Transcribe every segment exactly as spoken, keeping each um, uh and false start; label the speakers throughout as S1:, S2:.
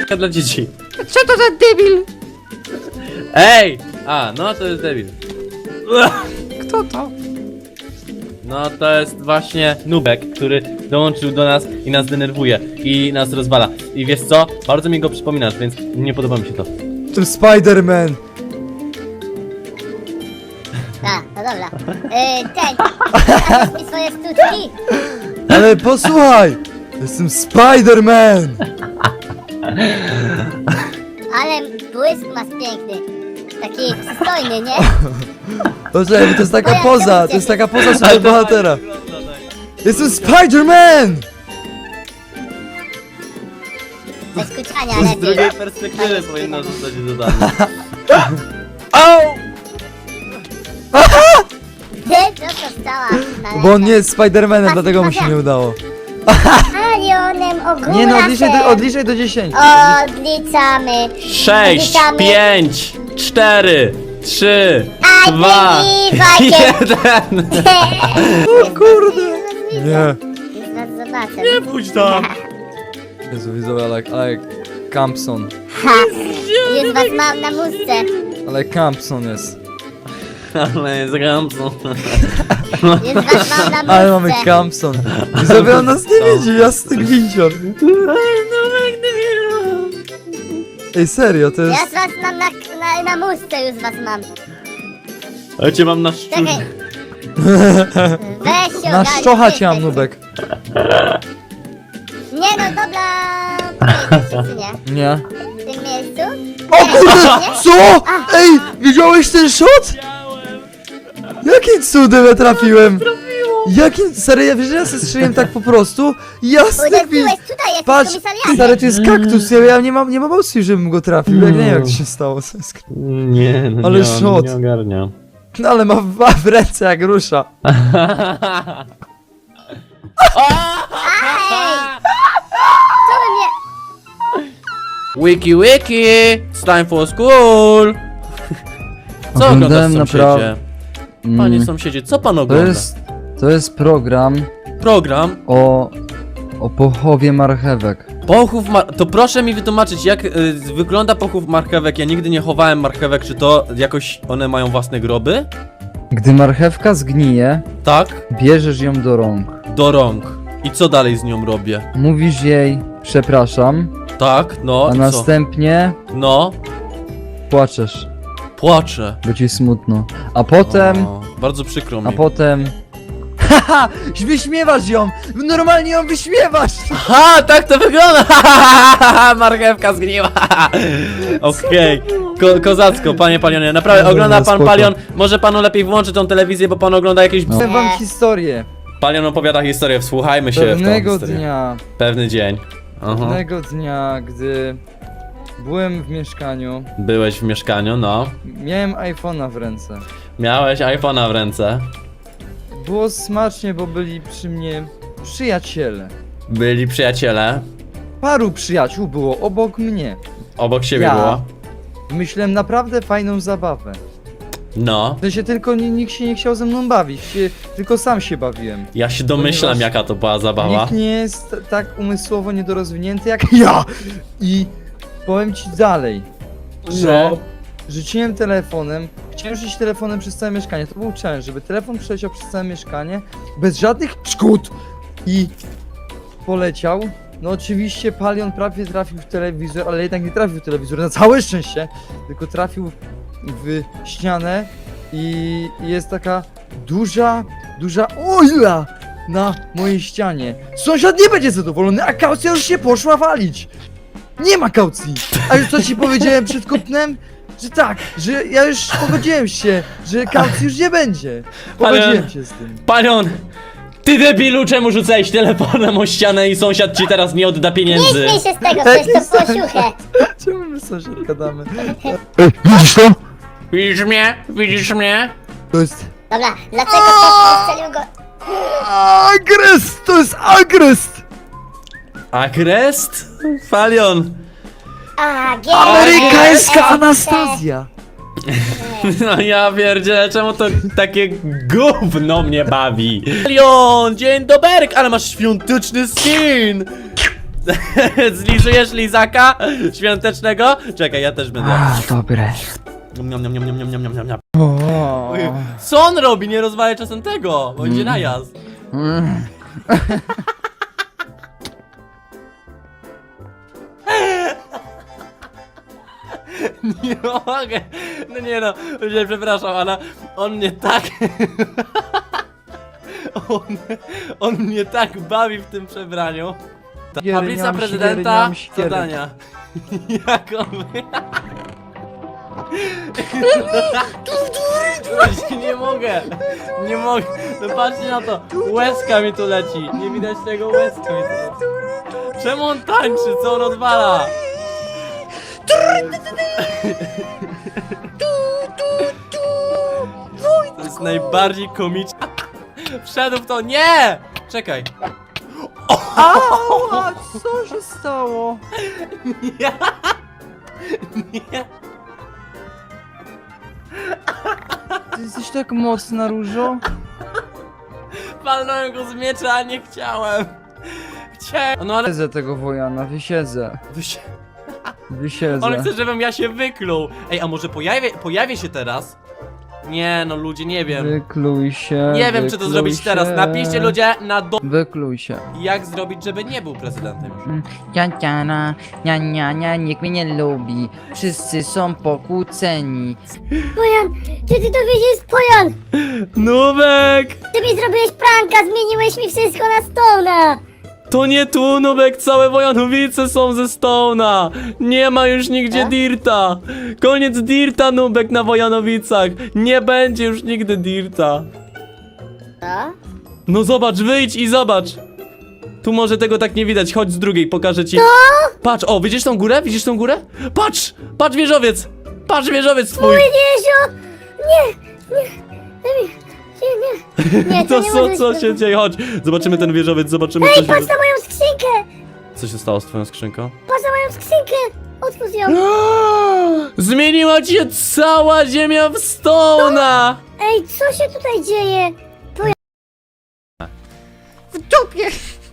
S1: gierka dla dzieci.
S2: Co to za debil?
S1: Ej! A, no to jest debil.
S2: Kto to?
S1: No to jest właśnie Nubek, który dołączył do nas i nas denerwuje i nas rozwala. I wiesz co? Bardzo mi go przypominasz, więc nie podoba mi się to.
S3: To Spider-Man.
S4: A, no dobra. Yy, ten, pokażesz mi swoje sztuczki?
S3: Ale posłuchaj! Jestem Spider-Man!
S4: Ale błysk masz piękny. Taki przystojny, nie?
S3: Poczekaj, bo to jest taka
S4: Moja
S3: poza,
S4: kobieta.
S3: to jest taka poza
S1: Ale
S3: super
S1: to
S3: bohatera.
S1: fajnie wygląda, tak.
S3: Jestem Spider-Man!
S4: Bez kuczania
S1: Z
S4: lepiej.
S1: drugiej perspektywy powinno zostać dodane.
S3: Au!
S4: Ty, co to stała?
S3: Bo on nie jest Spider-Manem, dlatego mu się nie udało.
S4: Alionem ogólnie.
S3: Nie no, odliczaj do, odliczaj do dziesięciu.
S4: Odliczamy.
S1: Sześć,
S4: Odliczamy.
S1: pięć, cztery, trzy,
S4: I
S1: dwa,
S4: believe I can-
S1: jeden.
S3: O kurde! Nie.
S4: Zaraz zobaczę.
S1: Nie pójdź tam.
S3: Jezu, widzowie, ale, ale Campson.
S4: Ha! Już was mam na muszce.
S3: Ale Campson jest.
S1: Ale jest Ramson.
S4: Już was mam na muszce.
S3: Ale mamy Campson. Widzowie, on nas nie widzi, jasny gwindzior. Ej, serio, to
S4: Ja
S3: jest...
S4: was mam na, na, na muszce, już was mam.
S1: Ale cię mam na szczur.
S4: Czekaj. Weź się
S3: Na
S4: ogarnij,
S3: szczocha
S4: ty
S3: cię mam,
S4: jesteś.
S3: Nubek.
S4: Nie no, dobra. Pojedziesz, czy nie?
S3: Nie.
S4: W tym miejscu?
S3: O kurde!
S4: Nie?
S3: Co? Ej, widziałeś ten shot? Jakim cudem ja trafiłem? Jakim... Serio, ja wiesz, że ja sobie strzeliłem tak po prostu? Jasny gwint.
S4: Uderzyłeś, tutaj jest
S3: Patrz,
S4: komisariat.
S3: stary, to jest kaktus, ja, ja nie mam, nie mam opcji, żebym go trafił, jak nie wiem jak to się stało. co jest-
S1: Nie, no
S3: Ale
S1: nie,
S3: shot.
S1: nie ogarniam.
S3: No ale ma, ma w ręce jak rusza.
S4: Co wy mnie...
S1: Wiki wiki! It's time for school! Co oglądasz
S3: Oglądałem
S1: sąsiedzie?
S3: naprawdę-
S1: Panie
S3: Mm,
S1: sąsiedzie, co pan
S3: To
S1: ogląda?
S3: jest, to jest program
S1: Program
S3: o, o pochowie marchewek.
S1: pochów mar... To proszę mi wytłumaczyć, jak y, wygląda pochów marchewek. Ja nigdy nie chowałem marchewek, czy to jakoś one mają własne groby?
S3: Gdy marchewka zgnije,
S1: Tak?
S3: bierzesz ją do rąk.
S1: Do rąk. I co dalej z nią robię?
S3: Mówisz jej, przepraszam,
S1: Tak, no
S3: a
S1: i co?
S3: następnie
S1: No,
S3: płaczesz,
S1: płaczę.
S3: bo ci smutno. A potem,
S1: O, bardzo przykro mi.
S3: a potem... Haha! Wyśmiewasz ją! Normalnie ją wyśmiewasz!
S1: Ha, tak to wygląda! Marchewka zgniła! Okej, Ko kozacko, panie Palionie, naprawdę
S3: Dobra,
S1: ogląda pan
S3: spoko.
S1: Palion. Może panu lepiej włączyć tą telewizję, bo pan ogląda jakieś...
S3: No. Powiem wam historię.
S1: Palion opowiada historię, wsłuchajmy się w tą
S3: Pewnego
S1: historię.
S3: dnia,
S1: Pewny dzień. Aha.
S3: pewnego dnia, gdy byłem w mieszkaniu,
S1: Byłeś w mieszkaniu, no.
S3: miałem iPhone'a w ręce.
S1: Miałeś iPhone'a w ręce.
S3: Było smacznie, bo byli przy mnie przyjaciele.
S1: Byli przyjaciele.
S3: Paru przyjaciół było obok mnie.
S1: Obok siebie
S3: Ja.
S1: było.
S3: Myślałem naprawdę fajną zabawę.
S1: No.
S3: W sensie tylko ni- nikt się nie chciał ze mną bawić, się, tylko sam się bawiłem.
S1: Ja się domyślam,
S3: Ponieważ
S1: jaka to była zabawa.
S3: Nikt nie jest t- tak umysłowo niedorozwinięty jak ja. I powiem ci dalej, że
S1: No.
S3: rzuciłem telefonem, chciałem rzucić telefonem przez całe mieszkanie. To był challenge, żeby telefon przeleciał przez całe mieszkanie bez żadnych szkód i poleciał. No oczywiście Palion prawie trafił w telewizor, ale jednak nie trafił w telewizor, na całe szczęście, tylko trafił w ścianę i jest taka duża, duża oila na mojej ścianie. Sąsiad nie będzie zadowolony, a kaucja już się poszła walić. Nie ma kaucji. A już co ci powiedziałem przed kupnem? Że tak, że ja już pogodziłem się, że kaucji już nie będzie. Pogodziłem
S1: Ale-
S3: się z tym.
S1: Palion! Ty debilu, czemu rzucałeś telefonem o ścianę i sąsiad ci teraz nie odda
S4: Nie
S1: pieniędzy?
S4: śmiej się z tego,
S3: Tak
S4: przecież to
S3: jest.
S4: było siuchę.
S3: Czemu my sąsiad gadamy?
S2: Widzisz to?
S1: Widzisz mnie? Widzisz mnie?
S3: To jest...
S4: Dobra, dlaczego ktoś strzelił go...
S3: Agrest! To jest agrest!
S1: Agrest? Palion!
S4: A, G.
S3: Amerykańska Anastazja!
S1: No ja pierdzielę, czemu to takie gówno mnie bawi? Palion, dzień doberek, ale masz świąteczny skin! Zlizujesz lizaka świątecznego? Czekaj, ja też będę.
S2: A, dobre.
S1: Niam, niam, niam, niam, niam, niam, niam, niam.
S3: O.
S1: Co on robi? Nie rozwalaj czasem tego! Będzie najazd.
S2: Mm.
S1: Nie mogę. No nie no, nie, przepraszam, ale on mnie tak... On, on mnie tak bawi w tym przebraniu. Ta
S3: Świery,
S1: tablica
S3: niam,
S1: prezydenta,
S3: świery, niam, świery.
S1: zadania. Jak on... Nie mogę, nie mogę. No patrzcie na to, łezka mi tu leci. Nie widać tego, łezka mi tu leci. Czemu on tańczy, co on odwala? To jest najbardziej komiczne. Wszedł w to, nie! Czekaj.
S3: Ała, co się stało?
S1: Nie. Nie.
S3: Ty jesteś tak mocna, Różo.
S1: Palnąłem go z miecza, a nie chciałem. Chciałem. No ale...
S3: Wysiedzę tego Wojana, wysiedzę.
S1: Wy się-
S3: Wysiedzę.
S1: On chce, żebym ja się wykluł. Ej, a może pojawię, pojawię się teraz? Nie, no ludzie, nie wiem.
S3: Wykluj się.
S1: Nie wiem, czy to
S3: wykluj
S1: zrobić
S3: się.
S1: teraz. Napiszcie ludzie na do...
S3: Wykluj się.
S1: Jak zrobić, żeby nie był prezydentem już.
S2: Ja, ja, na, ja, ja, ja, nikt mnie nie lubi. Wszyscy są pokłóceni.
S4: Pojan, czy ty to wiedziesz, Pojan?
S1: Nubek!
S4: Ty mi zrobiłeś pranka, zmieniłeś mi wszystko na Stone'a.
S1: To nie tu, Nubek, całe Wojanowice są ze Stone'a. Nie ma już nigdzie
S4: A?
S1: Dirta. Koniec Dirta, Nubek, na Wojanowicach. Nie będzie już nigdy Dirta.
S4: Co?
S1: No zobacz, wyjdź i zobacz. Tu może tego tak nie widać, chodź z drugiej, pokażę ci. Patrz, o, widzisz tą górę? Widzisz tą górę? Patrz, patrz wieżowiec. Patrz wieżowiec twój.
S4: Jeziu! Nie, nie, nie, nie, nie, nie, to
S1: To
S4: nie
S1: co,
S4: może
S1: co
S4: być
S1: się dzieje? Chodź, zobaczymy ten wieżowiec, zobaczymy co
S4: Ej,
S1: się...
S4: patrz na moją skrzynkę!
S1: Co się stało z twoją skrzynką?
S4: Patrz na moją skrzynkę! Otwórz ją!
S1: Zmieniła się cała ziemia w Stone'a!
S4: Ej, co się tutaj dzieje?
S2: W dupie!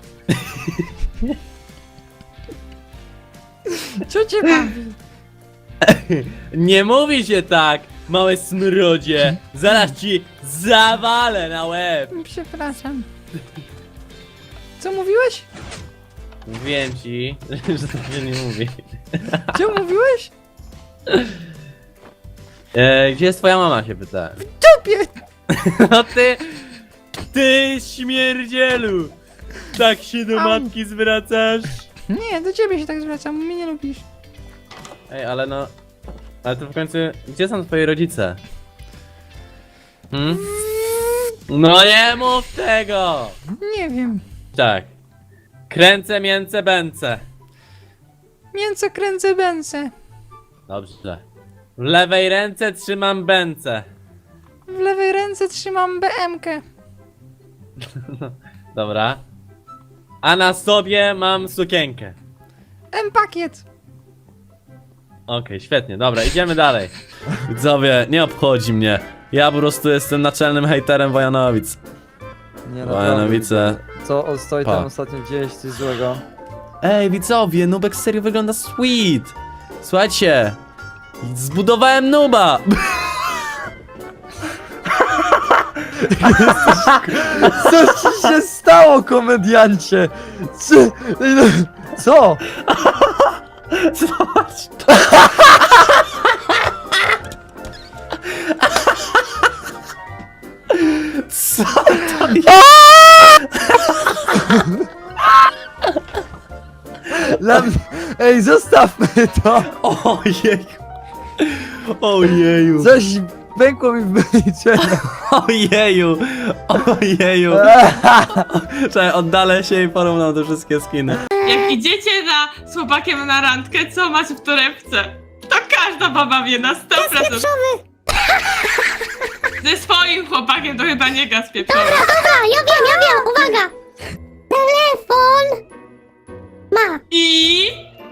S2: Co cię bawi?
S1: Nie mówi się tak, małe smrodzie! Zaraz ci zawalę na łeb!
S2: Przepraszam. Co mówiłeś?
S1: Mówiłem ci, że to się nie mówi.
S2: Co mówiłeś?
S1: E, gdzie jest twoja mama, się pytałem.
S2: Dupie!
S1: No ty, ty śmierdzielu! Tak się do
S2: Au.
S1: matki zwracasz?
S2: Nie, do ciebie się tak zwracam, mnie nie lubisz.
S1: Ej, ale no... Ale to w końcu, gdzie są twoi rodzice? Hmm? No nie mów tego!
S2: Nie wiem.
S1: Tak. Kręcę, mięcę, bęcę.
S2: Mięso kręcę bęce.
S1: Dobrze. W lewej ręce trzymam bęcę.
S2: W lewej ręce trzymam B M-kę.
S1: Dobra. A na sobie mam sukienkę.
S2: M-pakiet.
S1: Okej, świetnie, dobra, idziemy dalej. Widzowie, nie obchodzi mnie. Ja po prostu jestem naczelnym hejterem Wojanowic.
S3: Nie,
S1: Wojanowice.
S3: Co o- stoi
S1: Pa.
S3: tam ostatnio dzieje się coś złego?
S1: Ej, widzowie, Nubek serio wygląda sweet. Słuchajcie. Zbudowałem Nuba.
S3: Co ci się stało, komediancie? Co? Ej, no, Co?
S1: Zobacz. Co to jest?
S3: Dla mnie... Ej, zostawmy to!
S1: Ojej. Ojeju.
S3: Coś pękło mi w wyliczeniu.
S1: Ojeju. Ojeju. Czekaj, oddalę się i porównam te wszystkie skiny.
S5: Jak idziecie na, z chłopakiem na randkę, co macie w torebce? To każda baba wie na sto procent. Ze swoim chłopakiem to chyba nie gaz pieprzowy.
S4: Dobra, ja wiem, ja wiem, uwaga! Telefon! Ma!
S5: I...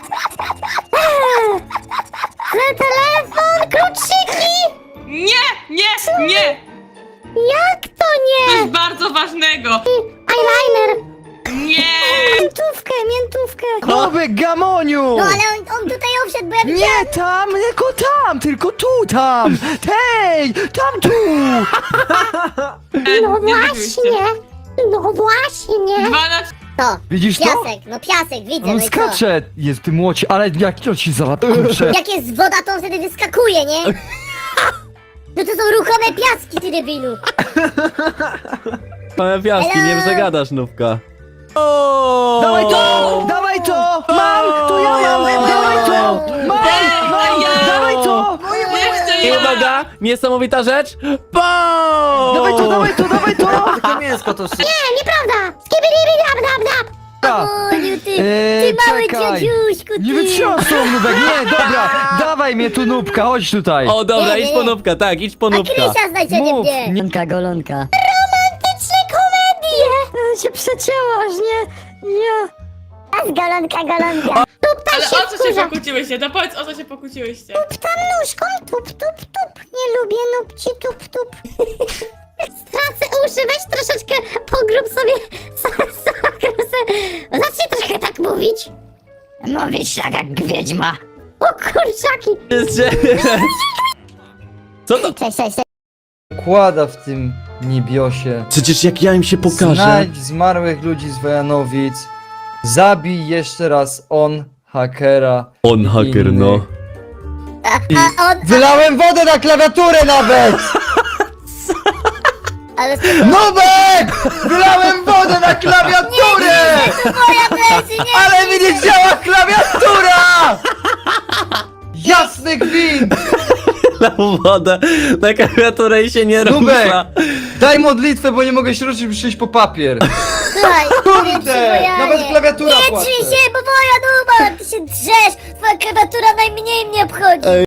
S4: Eee, telefon, kluczyki!
S5: Nie, nie, nie!
S4: Jak to nie?
S5: Coś bardzo ważnego.
S4: Eyeliner!
S5: Nie!
S4: Końcówkę miętówkę.
S3: Nubek, gamoniu!
S4: No ale on, on tutaj wszedł, bo ja widziałam.
S3: Nie tam, tylko tam, tylko tu, tam! Hej, tam, tu!
S5: E,
S4: No
S5: nie widzieliście.
S4: właśnie. No właśnie.
S5: Dwa na
S4: To.
S3: Widzisz to?
S4: Piasek, no piasek, widzę.
S3: On
S4: no i co?
S3: skacze, jest w tym łocie, ale jak to ci załatw, kurczę.
S4: Jak jest woda, to on wtedy wyskakuje, nie? No to są ruchome piaski, ty debilu.
S1: Mamy piaski, nie
S4: Hello?
S1: przegadasz, Nubka. O!
S3: Dawaj to! Dawaj to! Mam! To ja mam! Dawaj to! Mam! Mam! Dawaj to!
S5: Jeszcze
S1: I
S5: ja!
S1: uwaga, niesamowita rzecz. Bam!
S3: Dawaj to, dawaj to, dawaj to!
S6: Takie mięsko to sy...
S4: Nie, nieprawda. Skibidi dab dab dab. Oniu, ty,
S3: Eee,
S4: ty mały
S3: czekaj.
S4: dziadziuśku, ty.
S3: Nie wytrzymam z tą Nubek, nie, dobra! Dawaj mnie tu, Nubka, chodź tutaj!
S1: O, dobra,
S4: Nie, nie,
S1: idź po
S4: nie.
S1: Nubka, tak, idź po
S4: A
S1: Nubka.
S4: Krysia znajdzie
S3: Mów,
S4: mnie.
S3: nie-
S7: Golonka, golonka.
S4: Romantyczne komedie.
S7: E, się przecięłaś, nie? Ja.
S4: A z golonka, golonka. Tup tam
S5: Ale
S4: się
S5: o co się
S4: wkurza.
S5: pokłóciłyście? To powiedz, o co się pokłóciłyście.
S4: Tup tam nóżką, tup, tup, tup. Nie lubię nupci, tup, tup. Stracę uszy, weź troszeczkę pogrób sobie. Zacznij troszkę tak mówić.
S7: Mówisz tak jak wiedźma.
S4: O kurczaki.
S1: Co to?
S4: Cześć, cześć, cześć.
S3: Kłada w tym niebiosie.
S1: Przecież jak ja im się pokażę.
S3: Znajdź zmarłych ludzi z Wojanowic. Zabij jeszcze raz on, hakera.
S1: On haker,
S3: Inny.
S1: no.
S4: A, a on...
S3: Wylałem wodę na klawiaturę nawet!
S4: Ale to
S3: Nubek! Wylałem wodę na klawiaturę!
S4: moja plecy, nie!
S3: Ale mi nie działa klawiatura! Jasny gwint!
S1: Na wodę, na klawiaturę i się nie
S3: Nubek!
S1: rusza.
S3: Daj modlitwę, bo nie mogę się ruszyć, by przyjść po papier.
S4: Słuchaj, nie
S3: Kurde!
S4: przybojanie.
S3: Nawet klawiatura
S4: Nie
S3: płacze.
S4: trzyj się, bo moja duba, ty się drzesz! Twoja klawiatura najmniej mnie obchodzi!